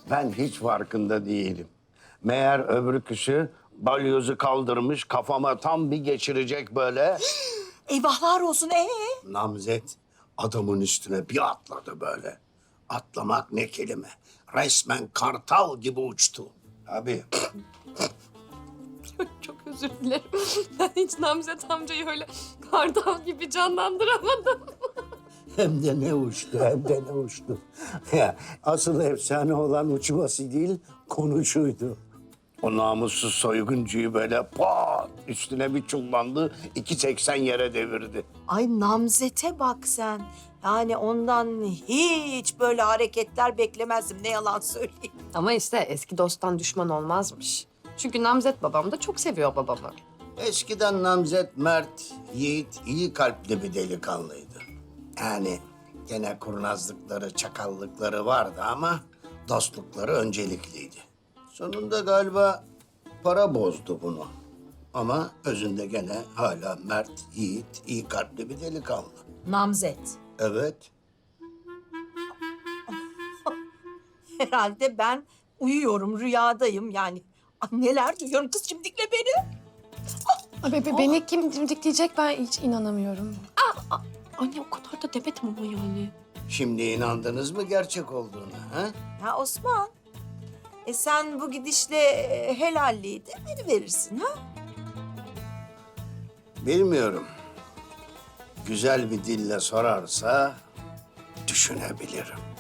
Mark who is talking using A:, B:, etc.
A: Ben hiç farkında değilim. Meğer öbür kişi balyozu kaldırmış, kafama tam bir geçirecek böyle.
B: Eyvahlar olsun.
A: Namzet adamın üstüne bir atladı böyle. Atlamak ne kelime. Resmen kartal gibi uçtu. Abi
C: Çok özür dilerim. Ben hiç Namzet amcayı öyle kartal gibi canlandıramadım.
A: hem de ne uçtu, hem de ne uçtu. Ya, asıl efsane olan uçması değil, konuşuydu. O namussuz soyguncuyu böyle pat üstüne bir çullandı, 2.80 yere devirdi.
B: Ay Namzet'e bak sen. Yani ondan hiç böyle hareketler beklemezdim. Ne yalan söyleyeyim.
C: Ama işte eski dosttan düşman olmazmış. Çünkü Namzet babam da çok seviyor babamı.
A: Eskiden namzet mert, yiğit, iyi kalpli bir delikanlıydı. Yani gene kurnazlıkları, çakallıkları vardı ama dostlukları öncelikliydi. Sonunda galiba para bozdu bunu. Ama özünde gene hala mert, yiğit, iyi kalpli bir delikanlı.
B: Namzet.
A: Evet.
B: Herhalde ben uyuyorum, rüyadayım yani. Ay, neler duyuyorum kız şimdikle beni.
C: Beni kim dimdikleyecek ben hiç inanamıyorum. Anne o kadar da demedim ama yani.
A: Şimdi inandınız mı gerçek olduğuna? Ha?
B: Ya Osman, sen bu gidişle helalliği de verirsin ha?
A: Bilmiyorum. Güzel bir dille sorarsa düşünebilirim.